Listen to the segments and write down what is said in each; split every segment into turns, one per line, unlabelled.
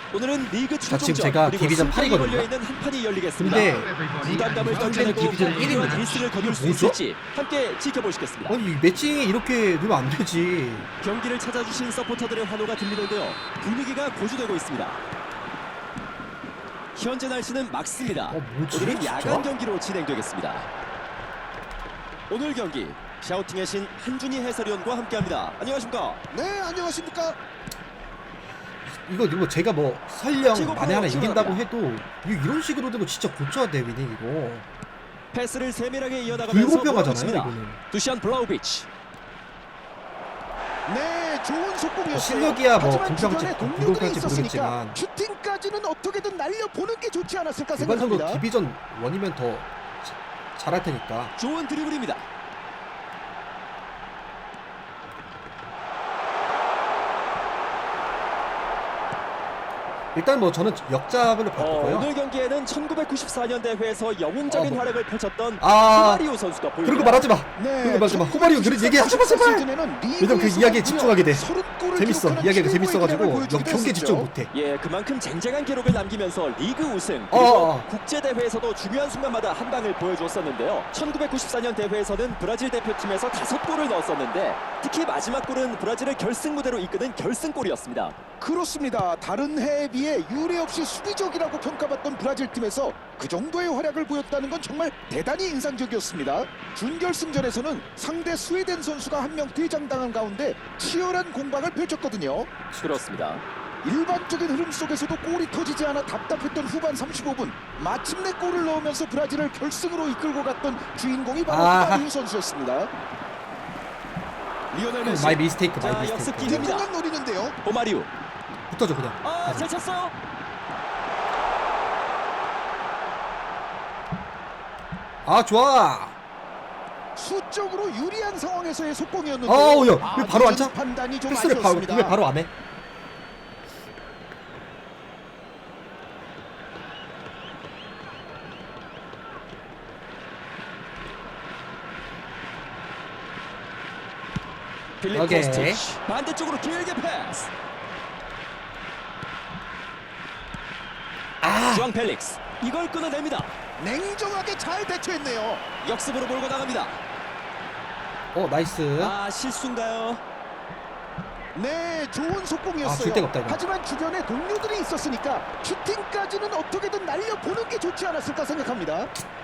오늘은 리그
지금
최종전
제가
그리고
디비전
승부가
8이거든요.
걸려있는 한 판이 열리겠습니다.
근데
부담감을
상대는
떨쳐내고
디비전
필요한
1입니다.
1승을 거둘 수
뭐죠?
있을지 함께 지켜보시겠습니다.
아니 매칭이 이렇게 되면 안 되지.
경기를 찾아주신 서포터들의 환호가 들리는데요. 분위기가 고조되고 있습니다. 현재 날씨는 맑습니다.
뭐지,
오늘은
진짜?
야간 경기로 진행되겠습니다. 오늘 경기 샤우팅의 신 한준희 해설위원과 함께합니다. 안녕하십니까?
네, 안녕하십니까?
이거 제가 뭐 설령
최고
만에 하나
프로
이긴다고
출발합니다.
해도 이런 식으로 되고 진짜 고쳐야 돼 위닝 이거.
패스를 세밀하게 이어나가면서
불공평하잖아요
몰아붙입니다.
이거는.
두시안 블라우비치.
네, 좋은 속공이었어요.
실력이야 뭐
하지만
공평할지
주변에 동료들이
불공평할지
있었으니까
모르겠지만
슈팅까지는 어떻게든 날려보는 게 좋지 않았을까
일반적으로
생각합니다.
디비전 1이면 더 잘할 테니까.
좋은 드리블입니다.
일단 뭐 저는 역잡을 바꾸고요.
오늘 경기에는 1994년 대회에서 영웅적인
뭐.
활약을 펼쳤던
아,
후마리오 선수가 보입니다.
그런 거 말하지 마.
네,
그런 거 말하지 마. 후마리오 그런 얘기 하지 마 제발. 왜냐면 그 이야기에 집중하게 돼. 재밌어. 이야기가 재밌어가지고 경기에 집중 못해.
예, 그만큼 쟁쟁한 기록을 남기면서 리그 우승 그리고 국제 대회에서도 중요한 순간마다 한 방을 보여주었었는데요. 1994년 대회에서는 브라질 대표팀에서 5골을 넣었었는데 특히 마지막 골은 브라질을 결승 무대로 이끄는 결승골이었습니다.
그렇습니다. 다른 해에 비해 유례없이 수비적이라고 평가받던 브라질 팀에서 그 정도의 활약을 보였다는 건 정말 대단히 인상적이었습니다. 준결승전에서는 상대 스웨덴 선수가 한 명 퇴장당한 가운데 치열한 공방을 펼쳤거든요.
그렇습니다.
일반적인 흐름 속에서도 골이 터지지 않아 답답했던 후반 35분 마침내 골을 넣으면서 브라질을 결승으로 이끌고 갔던 주인공이 바로 후마리오 선수였습니다.
리오넬 메시.
마이 미스테이크
자,
마이
역습
미스테이크.
기회입니다.
뒷공간 노리는데요.
호마리오.
붙어줘 그냥.
잘 찼어요.
아 좋아.
수적으로 유리한 상황에서의 속공이었는데
아우 야, 왜 바로 안 차?
판단이 좀
패스를
아쉬웠습니다.
왜 바로 안 해?
필립
오케이.
코스티치 반대쪽으로 길게 패스. 주앙 펠릭스 이걸 끊어냅니다.
냉정하게 잘 대처했네요.
역습으로 몰고 나갑니다.
나이스.
실수인가요?
네, 좋은 속공이었어요.
줄 데가 없다, 이거.
하지만 주변에 동료들이 있었으니까 슈팅까지는 어떻게든 날려보는 게 좋지 않았을까 생각합니다.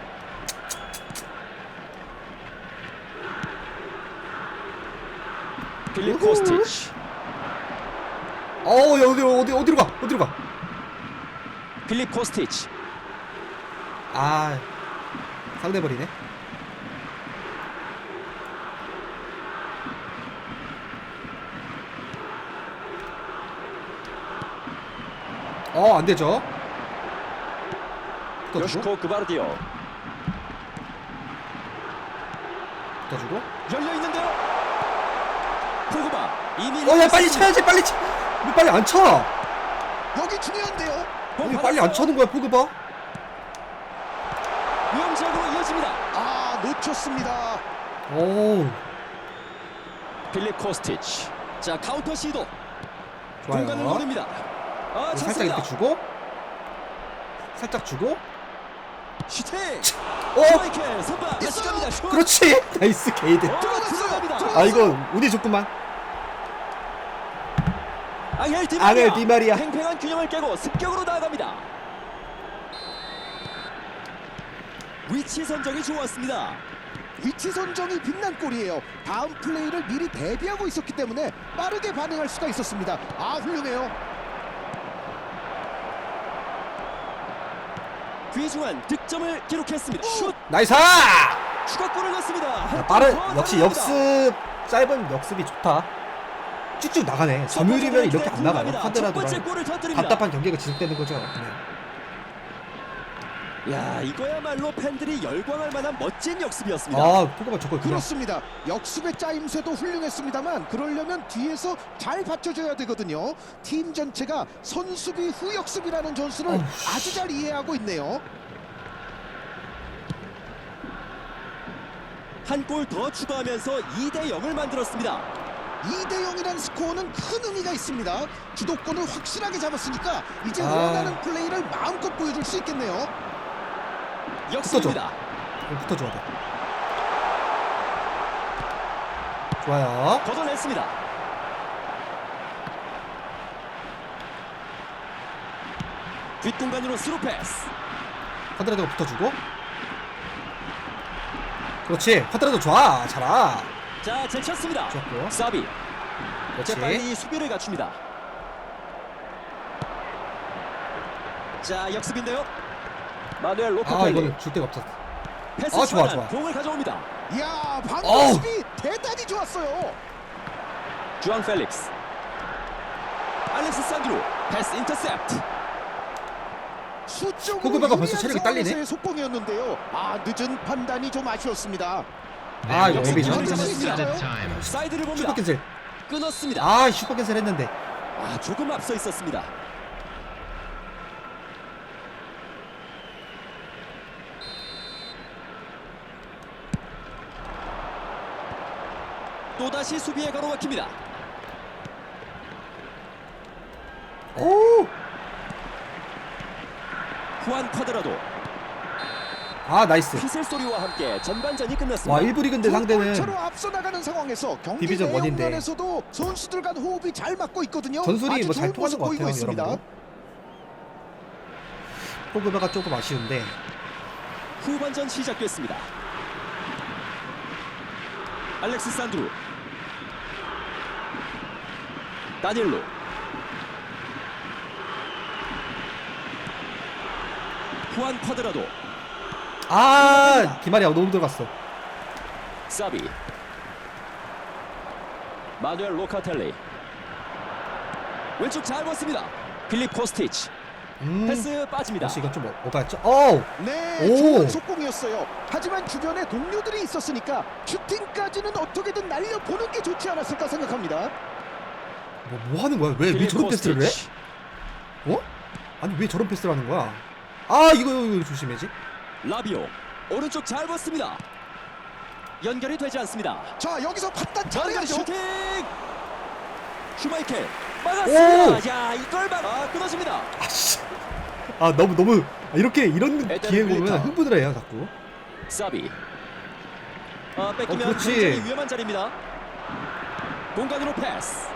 필립 코스티치.
야 어디로 가?
필립 코스티치.
상대 버리네. 안 되죠. 붙어주고,
요시코 그바르디오.
붙어주고.
열려 있는데요. 포그바 이미
야 빨리 차야지 빨리 차. 왜 빨리 안 차?
여기 중요한데요.
왜 빨리 안 차는 거야 포그바?
위험지역으로 이어집니다.
놓쳤습니다.
오
필립 코스티치. 자 카운터 시도.
좋아요.
공간을 노립니다.
살짝
찼습니다.
이렇게 주고, 살짝 주고.
슈팅.
어
스트라이크 선방. 다시 갑니다. 슛.
그렇지. 나이스 게이드.
들어갑니다.
이거 운이 좋구만.
앙헬
디마리아.
팽팽한 균형을 깨고 습격으로 나아갑니다. 위치 선정이 좋았습니다.
위치 선정이 빛난 골이에요. 다음 플레이를 미리 대비하고 있었기 때문에 빠르게 반응할 수가 있었습니다. 훌륭해요.
귀중한 득점을 기록했습니다. 슛.
나이스.
추가골을 넣습니다.
역시 역습 짧은 역습이 좋다. 쭉쭉 나가네. 점유율이면 이렇게 안 나가요.
첫
하더라도
번째 골을 터뜨립니다.
답답한 경기가 지속되는 거죠.
야, 이거야말로 팬들이 열광할 만한 멋진 역습이었습니다.
포그바 저거 그냥.
그렇습니다. 역습의 짜임새도 훌륭했습니다만 그러려면 뒤에서 잘 받쳐줘야 되거든요. 팀 전체가 선수비 후 역습이라는 전술을 아주 잘 이해하고 있네요.
한 골 더 추가하면서 2대 0을 만들었습니다.
2대0이라는 스코어는 큰 의미가 있습니다. 주도권을 확실하게 잡았으니까 이제
아.
원하는 플레이를 마음껏 보여줄 수 있겠네요.
역습입니다.
이거 붙어줘야 돼. 좋아요.
걷어냈습니다. 뒷공간으로 스루 패스.
쿼드라도가 붙어주고. 그렇지. 쿼드라도 좋아. 잘아.
자, 제쳤습니다.
좋았고.
사비.
그렇지.
재빨리 수비를 갖춥니다. 자, 역습인데요. 마누엘
아
로카텔리.
이거는 줄 데가 없었어.
패스
좋아,
순환,
좋아.
공을 가져옵니다.
이야, 방금
어우.
수비 대단히 좋았어요.
주앙 펠릭스. 알렉스 산드루. 패스 인터셉트.
수적으로
포그바가 벌써
유리한
체력이 딸리네?
상황에서의 속공이었는데요. 늦은 판단이 좀 아쉬웠습니다.
아 이거
역습
앱이죠.
기회를
잡았습니다.
잡았습니다. 사이드를 봅니다.
슈퍼 캔슬.
끊었습니다.
아 슈퍼 캔슬 했는데.
조금 앞서 있었습니다. 또다시 수비에 가로막힙니다.
오.
후안 쿼드라도
아 나이스.
휘슬 소리와 함께 전반전이 끝났습니다.
와 1부 리그인데 상대는
차로 앞서 나가는 상황에서 경기
디비전 원인데.
내용면에서도 선수들 간 호흡이 잘 맞고 있거든요.
전술이
아주
뭐 잘
좋은
통하는
모습
것
보이고
같아요
있습니다.
여러분. 포그바가 조금 아쉬운데.
후반전 시작됐습니다. 알렉스 산드루. 다니엘로. 후안 쿼드라도.
아 디마리아 너무 들어갔어.
사비. 마누엘 로카텔리. 왼쪽 잘 봤습니다. 필립 코스티치. 패스 빠집니다.
역시 이건 좀 오바였죠. 오.
네,
오.
좋은 속공이었어요. 하지만 주변에 동료들이 있었으니까 슈팅까지는 어떻게든 날려보는 게 좋지 않았을까 생각합니다.
뭐 하는 거야? 왜
필립
저런 패스를 해?
코스티치.
어? 아니 왜 저런 패스를 하는 거야? 아 이거 조심해지.
라비오. 오른쪽 잘 봤습니다. 연결이 되지 않습니다.
자, 여기서 판단
연결
잘해야죠.
슈팅. 슈마이켈 막았습니다. 야, 이걸 끊어집니다.
아씨. 아 너무 이렇게 이런
에덴
기회 보면
밀리타우.
흥분을 해요 자꾸.
사비. 뺏기면
그렇지.
굉장히 위험한 자리입니다. 공간으로 패스.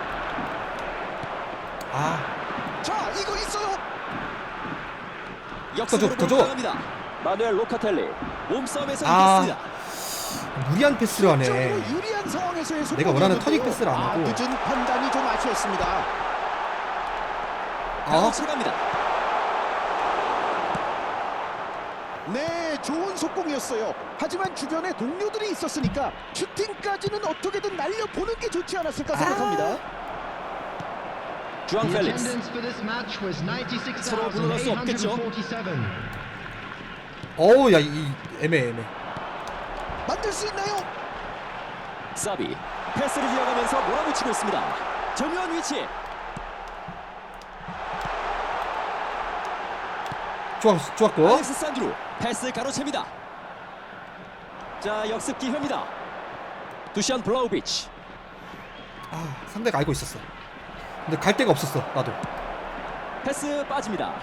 아
자, 이거 있어요.
역습으로
더 줘.
공격합니다. 마누엘 로카텔리 몸싸움에서
아.
이겼습니다.
무리한 패스를 하네.
적으로 유리한 상황에서의
내가 원하는
속공이었는데요.
터닝 패스를 안 하고.
늦은 판단이 좀 아쉬웠습니다.
바로 차갑니다.
네, 좋은 속공이었어요. 하지만 주변에 동료들이 있었으니까 슈팅까지는 어떻게든 날려보는 게 좋지 않았을까 생각합니다.
주앙
The
펠릭스.
attendance for this match was
서로 불러갈 수 없겠죠?
96,847.
어우 야이 애매.
만들 수 있나요?
사비. 패스를 이어가면서 몰아붙이고 있습니다. 정면 위치.
좋았고.
알렉스 산드루. 패스 가로챕니다. 자, 역습 기회입니다. 두시안 블라우비치.
아 상대가 알고 있었어. 근데 갈 데가 없었어 나도.
패스 빠집니다.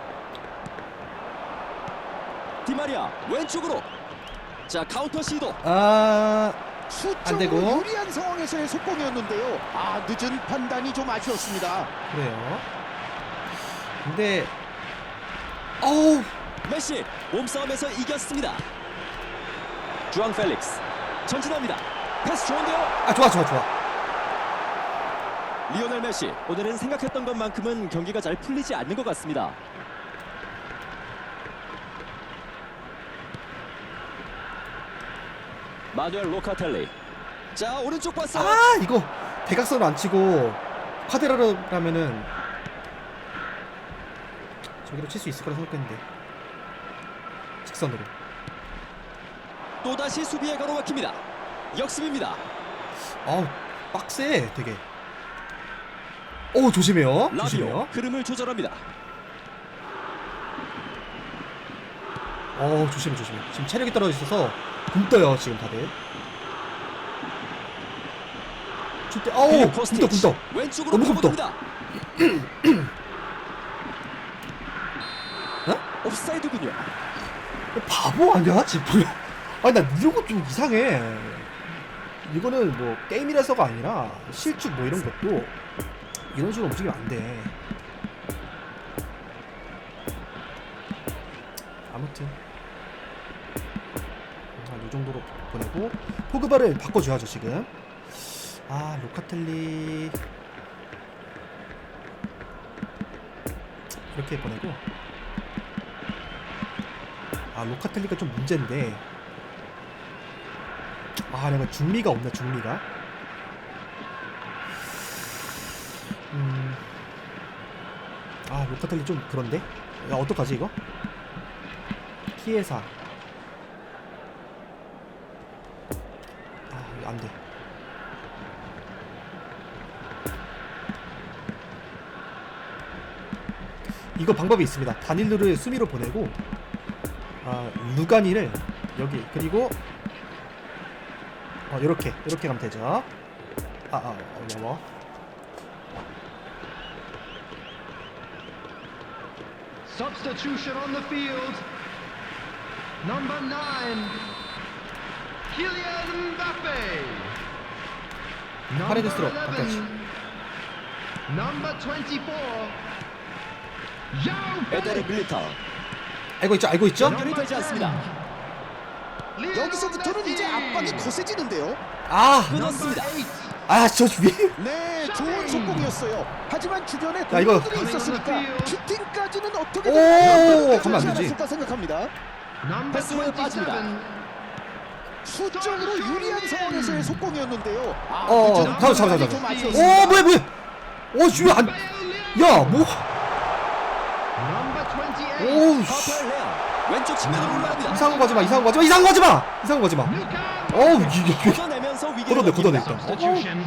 디마리아 왼쪽으로. 자, 카운터 시도.
아
수적으로
되고.
유리한 상황에서의 속공이었는데요. 늦은 판단이 좀 아쉬웠습니다.
그래요. 근데 어우
메시 몸싸움에서 이겼습니다. 주앙 펠릭스 전진합니다. 패스 좋은데요.
아 좋아.
리오넬 메시 오늘은 생각했던 것만큼은 경기가 잘 풀리지 않는 것 같습니다. 마누엘 로카텔리. 자, 오른쪽 봤어요.
아 이거 대각선을 안 치고 쿼드라라면은 저기로 칠 수 있을 거라 생각했는데 직선으로.
또다시 수비에 가로막힙니다. 역습입니다.
아우 빡세 되게. 오 조심해요.
라비오
조심해요.
흐름을 조절합니다.
조심해. 지금 체력이 떨어져 있어서 굶떠요 지금 다들. 슛대. 아우
코스티치.
굽덕.
왼쪽으로
너무 굽덕.
파고듭니다. 옵사이드군요.
바보 아니야 지금? 아니 나 이런 거 좀 이상해. 이거는 뭐 게임이라서가 아니라 실축 뭐 이런 것도 이런 식으로 움직이면 안 돼. 아무튼 이 정도로 보내고 포그바를 바꿔줘야죠 지금. 아 로카텔리 이렇게 보내고. 아 로카텔리가 좀 문제인데. 아 내가 중미가 없나 중미가. 아 로카텔리 좀 그런데. 야 어떡하지 이거. 키에사. 아 이거 안돼. 이거 방법이 있습니다. 다닐루를 수미로 보내고 루가니를 여기 그리고 요렇게 가면 되죠. 어려워.
Substitution on the field. Number 9, Kylian Mbappe.
파레데스로
Number
바꿔야지.
11, Number 24, João
에데르
Felix.
밀리타우.
알고 있죠?
연결이 되지 않습니다.
여기서부터는 이제 압박이 거세지는데요.
끊었습니다.
저 위에.
네, 좋은 속공이었어요. 하지만 주변에
야, 이거-
동료들이 있었으니까 슈팅까지는
오,
어떻게든
가면 안 되지.
않았을까 생각합니다.
Number
패스로 빠집니다.
27,
수적으로 유리한 상황에서의 속공이었는데요.
잠깐만.
좀 아쉬웠습니다.
뭐야. 주위 안. 야, 뭐.
Number 28,
오우,
파펠 레아 왼쪽 측면으로 올라갑니다.
이상한 거 하지 마.
Luka.
어우, 이게.
걷어내면서 위기를
걷어내
넘깁니다.
일단.
Substitution.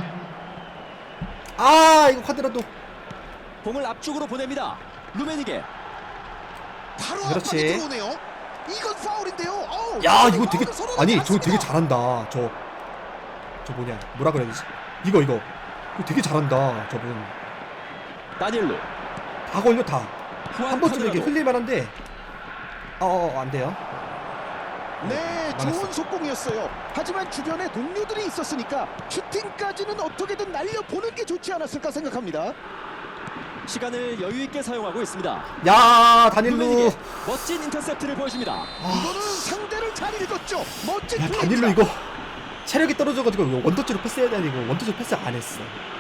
이거 카드라도.
공을 앞쪽으로 보냅니다. 루메니게.
바로
그렇지.
압박이 들어오네요. 이건 파울인데요. 어우,
야, 이거 되게.
서로
아니, 저
나갔습니다.
되게 잘한다. 저 뭐냐. 뭐라 그래야 되지? 이거 되게 잘한다. 저분.
다닐루.
다 걸려, 다.
후안
한 번쯤 이렇게
카드라도.
흘릴만한데. 안 돼요.
네,
망했어.
좋은 속공이었어요. 하지만 주변에 동료들이 있었으니까 슈팅까지는 어떻게든 날려보는 게 좋지 않았을까 생각합니다.
시간을 여유 있게 사용하고 있습니다.
야, 다닐루.
루메니게 멋진 인터셉트를 보여줍니다.
이거는 상대를 잘 읽었죠. 멋진
야,
플레이입니다.
다닐루 이거 체력이 떨어져가지고 원터치로 패스해야 되는 거 원터치로 패스 안 했어.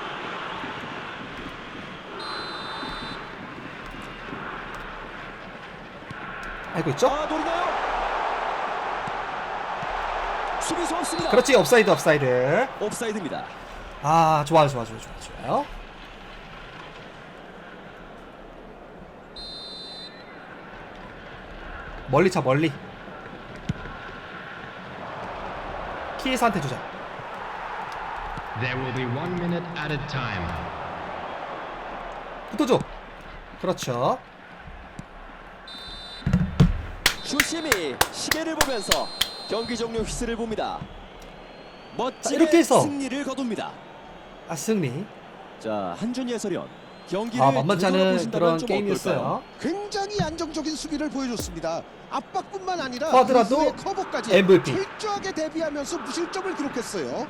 알고 있죠?
노리나요? 수비수 없습니다.
그렇지, 옵사이드.
옵사이드입니다.
좋아요. 멀리 차, 멀리. 키에사한테 주자.
There will be 1 minute at a time.
붙어줘. 그렇죠.
주심이 시계를 보면서 경기 종료 휘슬을 봅니다. 멋지게
이렇게 해서.
승리를 거둡니다.
승리.
자, 한준희 해설위원, 경기를
만만치
되돌아
않은
보신다면
그런
좀
게임이었어요.
어떨까요?
굉장히 안정적인 수비를 보여줬습니다. 압박뿐만 아니라
쿼드라도
그 후에 커버까지
MVP.
철저하게 대비하면서 무실점을 기록했어요.